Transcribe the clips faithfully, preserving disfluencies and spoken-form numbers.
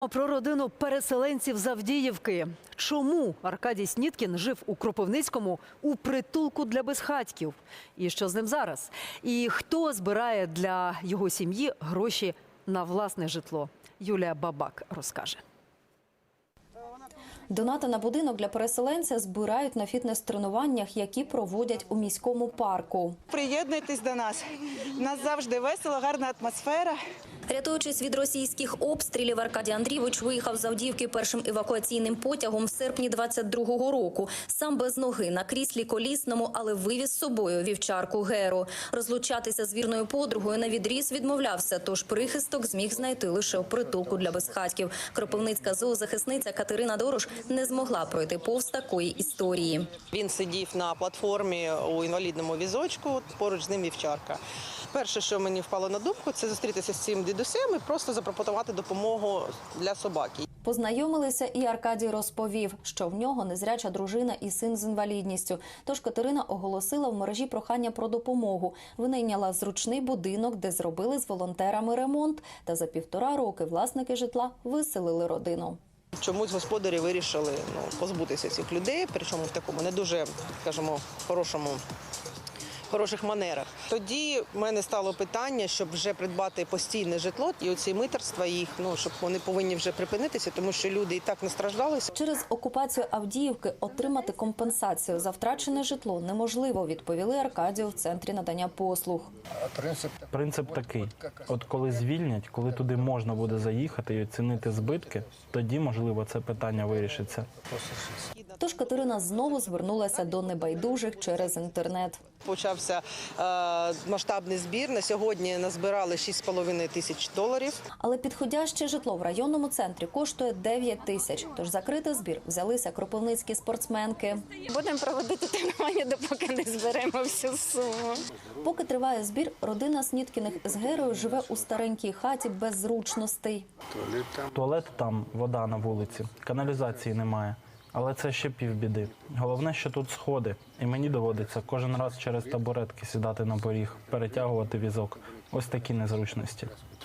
Про родину переселенців з Авдіївки. Чому Аркадій Сніткін жив у Кропивницькому у притулку для безхатьків? І що з ним зараз? І хто збирає для його сім'ї гроші на власне житло? Юлія Бабак розкаже. Донати на будинок для переселенця збирають на фітнес-тренуваннях, які проводять у міському парку. Приєднуйтесь до нас. У нас завжди весело, гарна атмосфера. Рятуючись від російських обстрілів, Аркадій Андрійович виїхав з Авдіївки першим евакуаційним потягом в серпні двадцять другого року. Сам без ноги, на кріслі колісному, але вивіз з собою вівчарку Геру. Розлучатися з вірною подругою навідріз відмовлявся, тож прихисток зміг знайти лише у притулку для безхатьків. Кропивницька зоозахисниця Катерина Дорош не змогла пройти повз такої історії. Він сидів на платформі у інвалідному візочку, поруч з ним вівчарка. Перше, що мені впало на думку, це зустрітися з цим дідусем і просто запропонувати допомогу для собаки. Познайомилися, і Аркадій розповів, що в нього незряча дружина і син з інвалідністю. Тож Катерина оголосила в мережі прохання про допомогу. Винайняла зручний будинок, де зробили з волонтерами ремонт. Та за півтора роки власники житла виселили родину. Чомусь господарі вирішили ну, позбутися цих людей, причому в такому не дуже, скажімо, хорошому хороших манерах. Тоді в мене стало питання, щоб вже придбати постійне житло і оці митерства їх, ну, щоб вони повинні вже припинитися, тому що люди і так настраждалися. Через окупацію Авдіївки отримати компенсацію за втрачене житло неможливо, відповіли Аркадію в центрі надання послуг. Принцип такий. От коли звільнять, коли туди можна буде заїхати і оцінити збитки, тоді, можливо, це питання вирішиться. Тож Катерина знову звернулася до небайдужих через інтернет. Почався е, масштабний збір. На сьогодні назбирали шість з половиною тисяч доларів. Але підходяще житло в районному центрі коштує дев'ять тисяч. Тож закрити збір взялися кропивницькі спортсменки. Будемо проводити тренування, допоки не зберемо всю суму. Поки триває збір, родина Сніткіних з Герою живе у старенькій хаті без зручностей. Туалет там, вода на вулиці, каналізації немає. Але це ще півбіди. Головне, що тут сходи, і мені доводиться кожен раз через табуретки сідати на поріг, перетягувати візок. Ось такі незручності.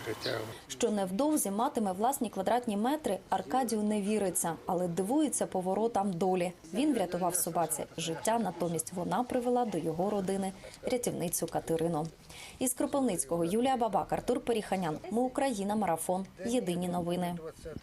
Що невдовзі матиме власні квадратні метри, Аркадію не віриться, але дивується поворотам долі. Він врятував собаці життя, натомість вона привела до його родини рятівницю Катерину. Із Кропивницького Юлія Бабак, Артур Періханян. Ми Україна. Марафон. Єдині новини.